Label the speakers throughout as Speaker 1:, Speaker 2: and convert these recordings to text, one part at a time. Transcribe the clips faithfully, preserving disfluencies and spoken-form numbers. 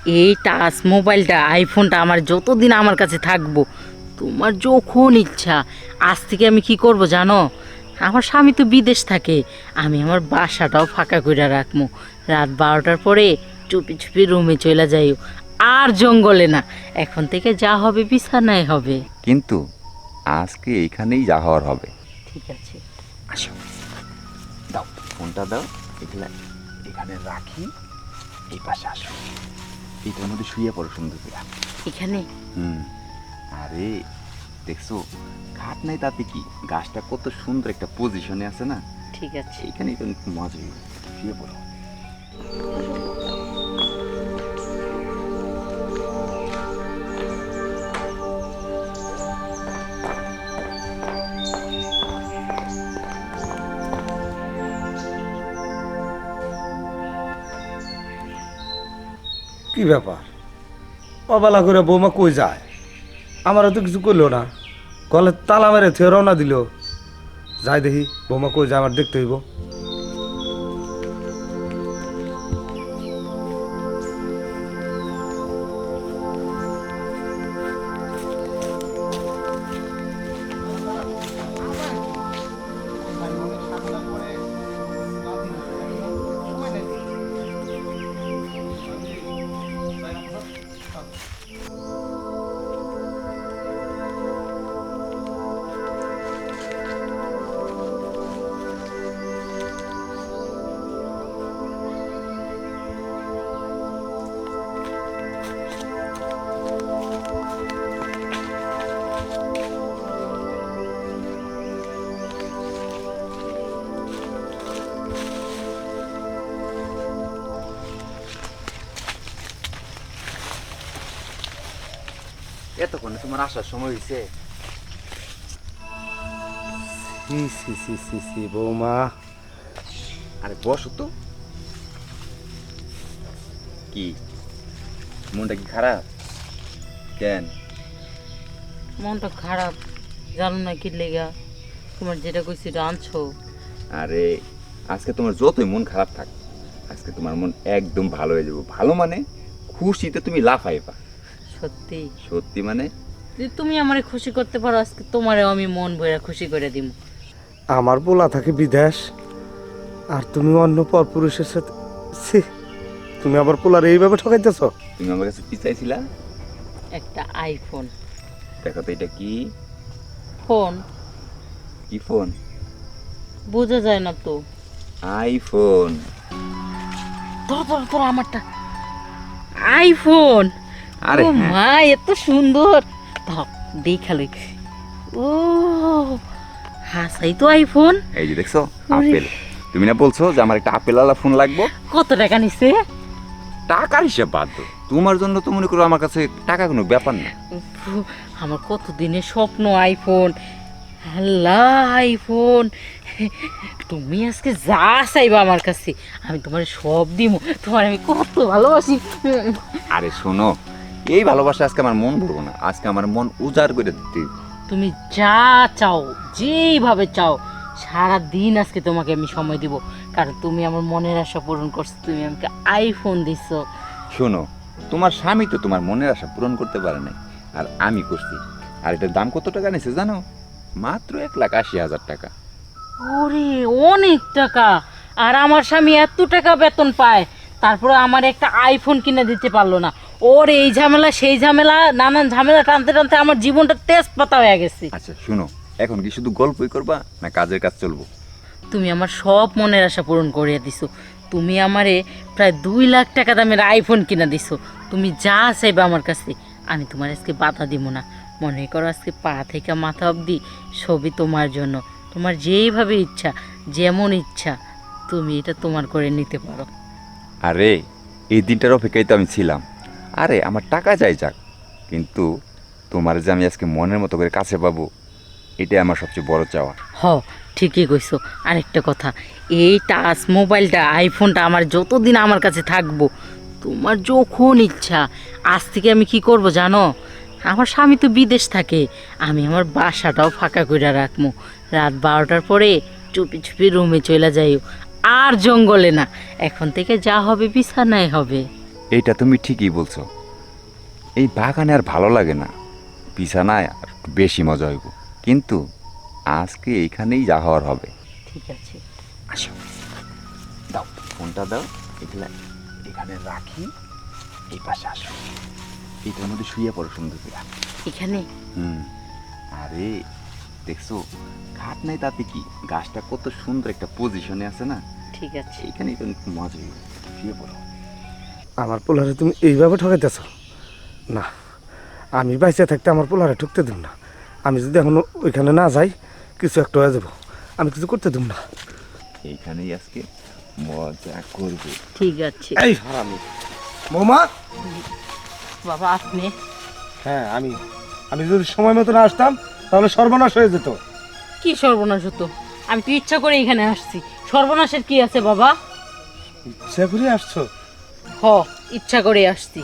Speaker 1: এই টাচ মোবাইলটা আইফোনটা আমার যতদিন আমার কাছে থাকবো, তোমার যখন ইচ্ছা আজ থেকে আমি কি করব জানো? আমার স্বামী তো বিদেশ থাকে, আমি আমার বাসাটাও ফাঁকা করে রাখবো। রাত বারোটার পরে চুপি চুপি রুমে চলে যাইও, আর জঙ্গলে না। এখন থেকে যা হবে বিছানায় হবে।
Speaker 2: কিন্তু আজকে এইখানেই যা হওয়ার হবে।
Speaker 1: ঠিক আছে,
Speaker 2: আসো, দাও ফোনটা দাও, এগুলা এখানে রাখি। এই পাশে আসো, এইটার মধ্যে শুয়ে পড়ো সুন্দর করে।
Speaker 1: এখানে
Speaker 2: হুম, আরে দেখছো খাট নাই তাতে কি, গাছটা কত সুন্দর একটা পজিশনে আছে না।
Speaker 1: ঠিক আছে।
Speaker 2: এইখানেই তো মজা হইবে। শুয়ে পড়ো।
Speaker 3: কি ব্যাপার, অবেলা করে বৌমা কই যায়? আমারও তো কিছু করলো না, গলে তালা মেরে থিয়ে রওনা দিল। যাই দেখি বৌমা কই যায়, আমার দেখতে হইব।
Speaker 2: এতক্ষণে তোমার আসার সময় হয়েছে?
Speaker 3: সি সি সি সি সি বৌমা,
Speaker 2: আরে বসো তো। কি মনটা কি খারাপ? কেন?
Speaker 1: মনটা খারাপ, জানো না কি লেগা? তোমার যেটা কইছি এটা আনছো।
Speaker 2: আরে আজকে তোমার যতই মন খারাপ থাক, আজকে তোমার মন একদম ভালো হয়ে যাবো। ভালো মানে খুশিতে তুমি লাফাইবা।
Speaker 1: সত্যি?
Speaker 2: সত্যি মানে
Speaker 1: যদি তুমি আমারে খুশি করতে পারো, আজকে তোমারেও আমি মন ভরে খুশি করে দিব।
Speaker 3: আমার পোলা থাকে বিদেশ, আর তুমি অন্য পর পুরুষের সাথে। ছি, তুমি আবার পোলার এইভাবে ঠকাইতেছ?
Speaker 2: তুমি আমার কাছে পিছাইছিলা।
Speaker 1: একটা আইফোন
Speaker 2: দেখো তো এটা কি
Speaker 1: ফোন,
Speaker 2: কি ফোন?
Speaker 1: বোঝা যায় না তো।
Speaker 2: আইফোন।
Speaker 1: ধর ধর ধর আমারটা আইফোন।
Speaker 2: আরে
Speaker 1: ও
Speaker 2: হ্যাঁ।
Speaker 1: মা, এত সুন্দর! ধর দেখালো। ও হাসাই তো আইফোন।
Speaker 2: এই যে দেখছো
Speaker 1: ওরে।
Speaker 2: আপেল। তুমি না বলছো যে আমার একটা আপেল আলা ফোন লাগবে?
Speaker 1: কত টাকা নিছে?
Speaker 2: টাকার হিসাব বাদ দাও, তোমার জন্য তো মনে করো আমার কাছে টাকা কোনো ব্যাপার না।
Speaker 1: উফ, আমার কত দিনের স্বপ্ন আইফোন। আল্লাহ, আইফোন! তুমি আজকে যা চাইবা আমার কাছে আমি তোমার সব দিব। তোমার আমি কত ভালোবাসি।
Speaker 2: আরে শোনো, এই ভালোবাসা আজকে আমার মন ভরবো না, আজকে আমার মন উজাড় করে দিতে হবে।
Speaker 1: তুমি যা চাও, যেইভাবে চাও, সারা দিন আজকে তোমাকে আমি সময় দিব। কারণ তুমি আমার মনের আশা পূরণ করছো, তুমি আমাকে আইফোন দিছো।
Speaker 2: শোনো, তোমার স্বামী তো তোমার মনের আশা পূরণ করতে পারে নাই, আর আমি করছি। আর এটার দাম কত টাকা নিছে জানো? মাত্র এক লাখ আশি হাজার টাকা।
Speaker 1: ওরে, অনেক টাকা! আর আমার স্বামী এত টাকা বেতন পায়, তারপরে আমার একটা আইফোন কিনে দিতে পারলো না। ওর এই ঝামেলা সেই ঝামেলা, নানান ঝামেলা টানতে টানতে আমার জীবনটা তেজপাতা হয়ে গেছে।
Speaker 2: আচ্ছা শুনো, এখন কি শুধু গল্পই করবা না কাজের কাজ চলবো?
Speaker 1: তুমি আমার সব মনের আশা পূরণ করিয়ে দিছো। তুমি আমারে প্রায় দুই লাখ টাকা দামের আইফোন কিনে দিছো। তুমি যা চাইবে আমার কাছে, আমি তোমার আজকে বাধা দিব না। মনে করো আজকে পা থেকে মাথা অবধি সবই তোমার জন্য। তোমার যেইভাবে ইচ্ছা, যেমন ইচ্ছা, তুমি এটা তোমার করে নিতে পারো।
Speaker 2: আরে এই দিনটার অপেক্ষায় তো আমি ছিলাম। আরে আমার টাকা যাই যাক, কিন্তু তোমার যে আমি আজকে মনের মতো করে কাছে পাবো, এটাই আমার সবচেয়ে বড় চাওয়া।
Speaker 1: হ, ঠিকই কইছো। আরেকটা কথা, এই টাচ মোবাইলটা আইফোনটা আমার যতদিন আমার কাছে থাকবো, তোমার যখন ইচ্ছা আজ থেকে আমি কি করব জানো? আমার স্বামী তো বিদেশ থাকে, আমি আমার বাসাটাও ফাঁকা করে রাখবো। রাত বারোটার পরে চুপি চুপি রুমে চলে যাইও, আর জঙ্গলে না। এখন থেকে যা হবে বিছানায় হবে।
Speaker 2: এইটা তুমি ঠিকই বলছো। এই বাগানে আর ভালো লাগে না, বিছানায় আর একটু বেশি মজা হইব। কিন্তু আজকে এইখানেই যা হওয়ার হবে।
Speaker 1: ঠিক আছে।
Speaker 2: আসো, দাও ফোনটা দাও, এগুলা এখানে রাখি। এই পাশে আসো, এইটার মধ্যে শুয়ে পড়ো সুন্দর করে।
Speaker 1: এখানে
Speaker 2: হুম, আরে দেখছো খাট নাই তাতে কি, গাছটা কত সুন্দর একটা পজিশনে আছে না,
Speaker 1: ঠিক আছে।
Speaker 2: এইখানেই তো খুব মজা হইব। শুয়ে পড়ো।
Speaker 3: আমার পোলারে তুমি এইভাবে ঠকাইতেছ না। আমি বাইসে থাকতে আমার পোলারে ঠকতে দেব না। আমি যদি এখন ওইখানে না যাই কিছু একটা হয়ে যাবো, আমি কিছু করতে দেব না।
Speaker 2: এইখানেই আজকে মজা করবে।
Speaker 1: ঠিক আছে।
Speaker 3: এই হারামি বৌমা।
Speaker 1: বাবা আপনি?
Speaker 3: হ্যাঁ আমি। আমি যদি সময় মতো না আসতাম তাহলে সর্বনাশ হয়ে যেত।
Speaker 1: কি সর্বনাশ হতো? আমি তো ইচ্ছা করে এখানে আসছি, সর্বনাশের কি আছে বাবা?
Speaker 3: ইচ্ছা করে আসছো?
Speaker 1: হ, ইচ্ছা করে আসছি।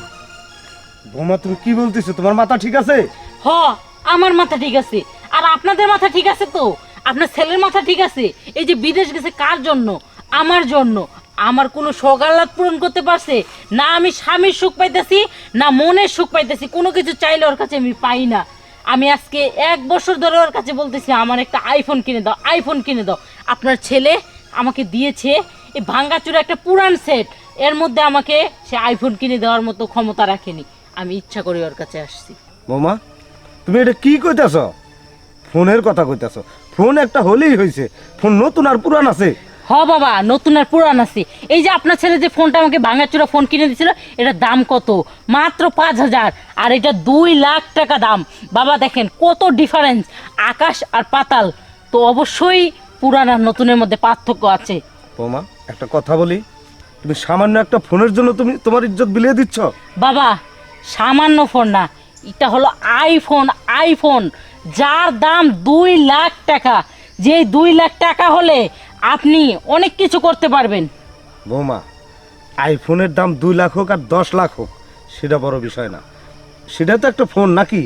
Speaker 3: বৌমা তুমি কি বলতেছো? তোমার মাথা ঠিক আছে?
Speaker 1: হ, আমার মাথা ঠিক আছে। আর আপনাদের মাথা ঠিক আছে তো? আপনার ছেলের মাথা ঠিক আছে? এই যে বিদেশ গেছে কার জন্য? আমার জন্য। আমার কোনো সকালাত পূরণ করতে পারছে না? আমি স্বামীর সুখ পাইতেছি না মনের সুখ পাইতেছি, কোনো কিছু চাইলে ওর কাছে আমি পাই না। আমি আজকে এক বছর ধরে ওর কাছে বলতেছি আমার একটা আইফোন কিনে দাও, আইফোন কিনে দাও। আপনার ছেলে আমাকে দিয়েছে এই ভাঙ্গাচুরা একটা পুরান সেট, এর মধ্যে আমাকে সে আইফোন কিনে দেওয়ার মতো ক্ষমতা রাখেনি। আমি ইচ্ছা করে ওর কাছে আসছি।
Speaker 3: বৌমা তুমি এটা কি কইতেছ? ফোনের কথা কইতেছ? ফোন একটা হলেই হয়েছে, ফোন নতুন আর পুরান আছে?
Speaker 1: হ বাবা, নতুন আর পুরান আছে। এই যে আপনার ছেলে যে ফোনটা আমাকে ভাঙাচোরা ফোন কিনে দিয়েছিল, এটার দাম কত? মাত্র পাঁচ হাজার। আর এটা দুই লাখ টাকা দাম। বাবা দেখেন কত ডিফারেন্স, আকাশ আর পাতাল। তো অবশ্যই পুরান আর নতুনের মধ্যে পার্থক্য আছে।
Speaker 3: বৌমা একটা কথা বলি, তুমি সামান্য একটা ফোনের জন্য তুমি তোমার ইজ্জত বিলিয়ে দিচ্ছ?
Speaker 1: বাবা সামান্য ফোন না, এটা হলো আইফোন। আইফোন যার দাম দুই লাখ টাকা। যে দুই লাখ টাকা হলে আপনি অনেক কিছু করতে পারবেন।
Speaker 3: বৌমা আইফোনের দাম দুই লাখ হোক আর দশ লাখ হোক সেটা বড় বিষয় না, সেটা তো একটা ফোন নাকি?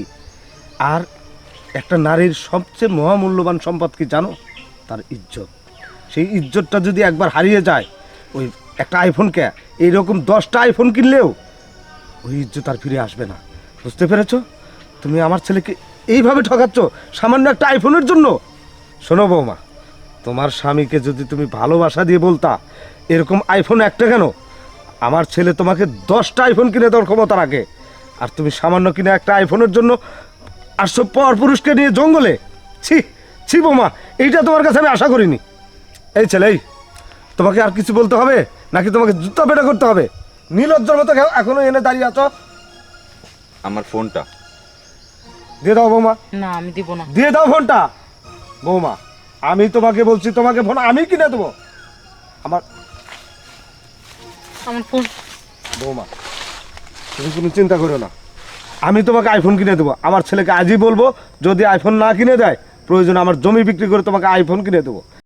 Speaker 3: আর একটা নারীর সবচেয়ে মহামূল্যবান সম্পদ কি জানো? তার ইজ্জত। সেই ইজ্জতটা যদি একবার হারিয়ে যায়, ওই একটা আইফোনকে এইরকম দশটা আইফোন কিনলেও ওই ইজ্জত আর ফিরে আসবে না। বুঝতে পেরেছো? তুমি আমার ছেলেকে এইভাবে ঠকাচ্ছ সামান্য একটা আইফোনের জন্য। শোনো বৌমা, তোমার স্বামীকে যদি তুমি ভালোবাসা দিয়ে বলতা এরকম আইফোন একটা কেন, আমার ছেলে তোমাকে দশটা আইফোন কিনে দেওয়ার ক্ষমতা রাখে। আর তুমি সামান্য কিনে একটা আইফোনের জন্য আসছো পর পুরুষকে নিয়ে জঙ্গলে। ছি ছি বৌমা, এইটা তোমার কাছে আমি আশা করিনি। এই ছেলে, এই তোমাকে আর কিছু বলতে হবে নাকি তোমাকে জুতা পেটা করতে হবে? নীলজ্জর মতো এখনো এনে দাঁড়িয়ে আছো।
Speaker 2: আমার ফোনটা
Speaker 3: দিয়ে দাও বৌমা,
Speaker 1: না আমি দিব না।
Speaker 3: দিয়ে দাও ফোনটা। বৌমা আমি তোমাকে বলছি, তোমাকে ফোন আমি কিনে দেবো। আমার
Speaker 1: আমার ফোন।
Speaker 3: বৌমা তুমি কোনো চিন্তা করো না, আমি তোমাকে আইফোন কিনে দেবো। আমার ছেলেকে আজই বলবো, যদি আইফোন না কিনে দেয় প্রয়োজন আমার জমি বিক্রি করে তোমাকে আইফোন কিনে দেবো।